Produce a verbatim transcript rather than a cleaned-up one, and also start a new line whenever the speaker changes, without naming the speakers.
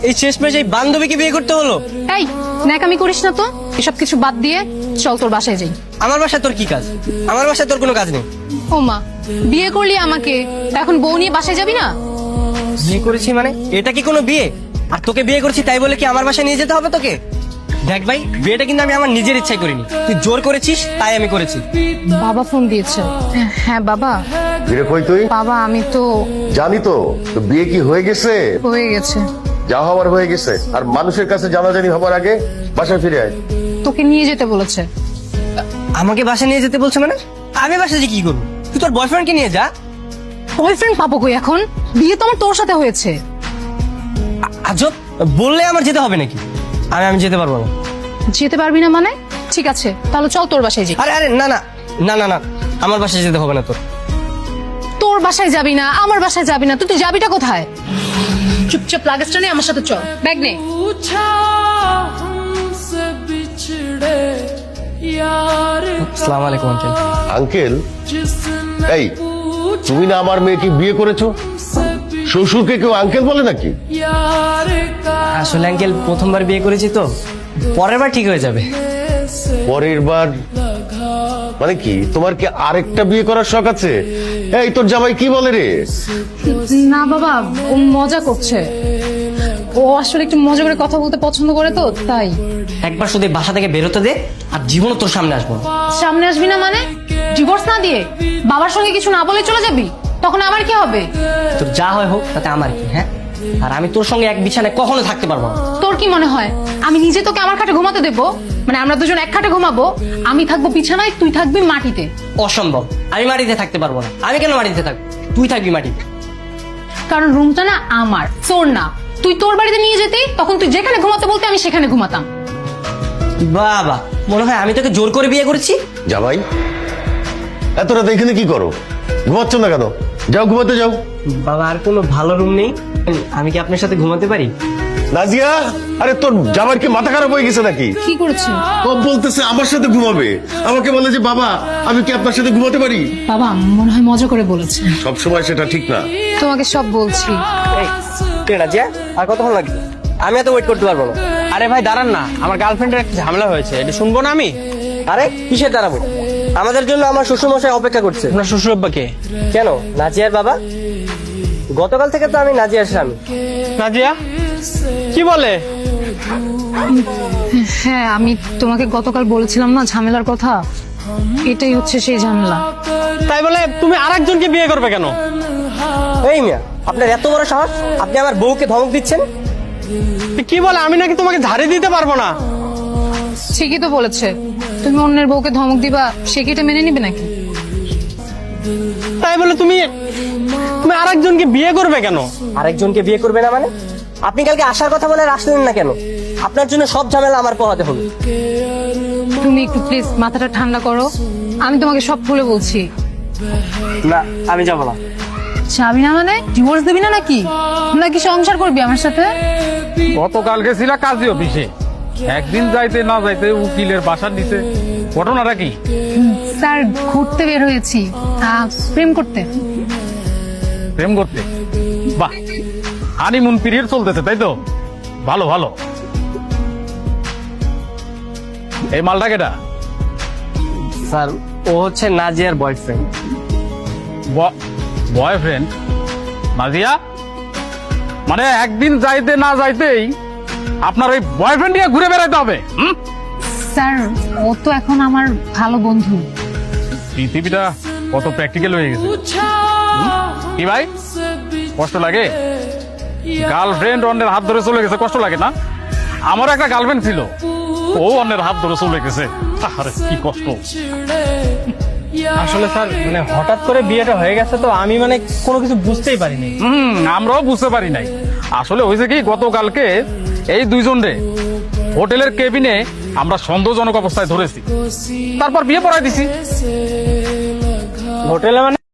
এই শেষমেশ এই বান্ধবীকে বিয়ে করতে হলো?
এই ন্যাকামি করিস না তো, এসব কিছু বাদ দিয়ে চল তোর বাসায় যাই।
আমার বাসায় তোর কি কাজ? আমার বাসায় তোর কোনো কাজ নেই।
ও মা, বিয়ে করলি আমাকে, এখন বউ নিয়ে বাসায় যাবি না?
বিয়ে করেছি মানে এটা কি কোনো বিয়ে? আর তোকে বিয়ে করেছি তাই বলে কি আমার বাসায় নিয়ে যেতে হবে তোকে? দেখ ভাই, বিয়েটা কিন্তু আমি আমার নিজের ইচ্ছায় করিনি, তুই জোর করেছিস তাই আমি করেছি।
বাবা ফোন দিয়েছে। হ্যাঁ বাবা।
ফিরে কই তুই?
বাবা আমি তো
জানি তো, তো বিয়ে কি হয়ে গেছে?
হয়ে গেছে।
যা হওয়ার হয়ে গেছে, আর মানুষের কাছে জানাজানি হবার আগে বাসায় ফিরে আয়।
তোকে নিয়ে যেতে বলেছে।
আমাকে বাসায় নিয়ে যেতে বলছে মানে? আমি বাসায় যে কি করবো? তুই তোর বয়ফ্রেন্ডকে নিয়ে যা।
বয়ফ্রেন্ড পাবো কই এখন? বিয়ে তো আমার তোর সাথে হয়েছে।
আজব, বললে আমার যেতে হবে নাকি? আমি আমি যেতে পারবো না।
যেতে পারবি না মানে? ঠিক আছে তাহলে চল তোর বাসায় যাই।
আরে আরে না না না না না আমার বাসায় যেতে হবে না তোর।
তোর বাসায় যাবি না, আমার বাসায় যাবি না, তুই তুই যাবিটা কোথায়? চুপচাপ লাগেজটা নে, আমার সাথে চল, ব্যাগ নে।
আসসালামু আলাইকুম আঙ্কেল।
আঙ্কেল? এই তুমি না আমার মেয়েকে বিয়ে করেছো? শ্বশুরকে কেউ আঙ্কেল বলে নাকি?
আসলে আঙ্কেল প্রথমবার বিয়ে করেছি তো, পরের বার ঠিক হয়ে যাবে।
পরের বার মানে কি? তোমার কি আরেকটা বিয়ে করার শখ আছে? এই তোর জামাই কি বলে রে?
না বাবা, ও মজা করছে। ও আসলে একটু মজা করে কথা বলতে পছন্দ করে তো তাই।
একবার শুধু এই বাসা থেকে বেরোতে দে, আর জীবনও তোর সামনে আসবো না।
সামনে আসবি না মানে? ডিভোর্স না দিয়ে বাবার সঙ্গে কিছু না বলে চলে যাবি? তখন আমার কি হবে?
তোর যা হয় হোক তাতে আমার কি? হ্যাঁ, আর আমি তোর সঙ্গে এক বিছানায় কখনো থাকতে পারবো না।
তোর কি মনে হয় আমি নিজে তোকে আমার খাটে ঘুমাতে দেবো? মানে আমরা দুজন এক খাটে ঘুমাবো, আমি থাকবো বিছানায়, তুই থাকবি মাটিতে।
অসম্ভব, আমি মাটিতে থাকতে পারবো না। আমি কেন মাটিতে থাকবো? তুই থাকবি মাটিতে।
কারণ রুমটা না আমার, তোর না। তুই তোর বাড়িতে নিয়ে যেতে, তখন তুই যেখানে ঘুমাতে বলতে আমি সেখানে ঘুমাতাম।
বাবা, মনে হয় আমি তোকে জোর করে বিয়ে করেছি।
জামাই এত রাত এখানে কি করো? ঘুমাচ্ছ না কেন? যাও ঘুমাতে যাও।
বাবা, আর কোনো ভালো রুম নেই? আমি কি আপনার সাথে ঘুমাতে পারি?
নাজিয়া, আরে তোর জামাইয়ের কি মাথা খারাপ হয়ে গেছে নাকি?
কি করেছে?
ও বলতেছে আমার সাথে ঘুমাবে, আমাকে বলে যে বাবা আমি কি আপনার সাথে ঘুমাতে পারি?
বাবা মনে হয় মজা করে বলেছে।
সব সময় সেটা ঠিক না।
তোমাকে সব বলছি।
এই, কে রাজিয়া? আর কতক্ষণ লাগবে? আমি এত ওয়েট করতে পারবো না।
আরে ভাই দাঁড়ান না, আমার গার্লফ্রেন্ডের একটা ঝামেলা হয়েছে, এটা শুনবো না আমি?
আরে কিসের দাঁড়াবো? আমাদের জন্য আমার শ্বশুরমশাই অপেক্ষা করছে।
আপনার শ্বশুর আব্বাকে?
কেন, নাজিয়ার বাবা? গতকাল থেকে তো আমি নাজিয়ার স্বামী।
নাজিয়া কি বলে?
হ্যাঁ, আমি তোমাকে গতকাল বলেছিলাম না ঝামেলার কথা, এটাই হচ্ছে সেই ঝামেলা।
তাই বলে তুমি আরেকজনকে বিয়ে করবে কেন?
এই মিয়া, আপনার এত বড় সাহস, আপনি আমার বউকে ধমক দিচ্ছেন?
কি বলে? আমি নাকি তোমাকে ঝাড়ি দিতে পারবো না?
ঠিকই তো বলেছে। তুমি অন্যের বউকে ধমক দিবা, সে কি এটা মেনে নিবে নাকি?
তাই বলে তুমি তুমি আরেকজনকে বিয়ে করবে কেন?
আরেকজনকে বিয়ে করবে না মানে? আপনি কালকে আসার কথা বলে আর আসলেন না কেন? আপনার জন্য সব ঝামেলা আমার পোহাতে হবে।
তুমি একটু প্লিজ মাথাটা ঠান্ডা করো, আমি তোমাকে সব খুলে বলছি।
না, আমি যাবো না।
যাবি না মানে? ডিভোর্স দিবি না নাকি? নাকি সংসার করবি আমার সাথে?
গতকাল গেছিলা কাজী অফিসে, একদিন যাইতে না যাইতে উকিলের বাসার নিচে, ঘটনাটা কি?
স্যার ঘুরতে বের হয়েছি, আহ, প্রেম করতে।
প্রেম করতে? বাহ, হানিমুন পিরিয়ড চলতেছে তাই তো? ভালো ভালো। এই মালটা কেটা?
স্যার, ও হচ্ছে নাজিয়ার বয়ফ্রেন্ড।
বয়ফ্রেন্ড? নাজিয়া, মানে একদিন যাইতে না যাইতেই আপনার ওই বয়ফ্রেন্ড নিয়ে ঘুরে বেড়াইতে হবে? হুম?
স্যার ও তো এখন আমার ভালো বন্ধু।
পৃথিবীটা কত প্র্যাকটিক্যাল হয়ে গেছে। কি ভাই, কষ্ট লাগে? গার্লফ্রেন্ড অন্যের হাত ধরে চলে গেছে, কষ্ট লাগে না? আমার একটা গার্লফ্রেন্ড ছিল, ও অন্যের হাত ধরে চলে গেছে, আরে কি কষ্ট।
আসলে স্যার মানে হঠাৎ করে বিয়েটা হয়ে গেছে তো আমি মানে কোনো কিছু বুঝতেই পারিনি।
হম আমরাও বুঝতে পারি নাই। আসলে হয়েছে কি, গতকালকে এই দুইজন রে হোটেলের কেবিনে আমরা সন্দেহজনক অবস্থায় ধরেছি, তারপর বিয়ে পড়াই দিছি।
হোটেলে মানে?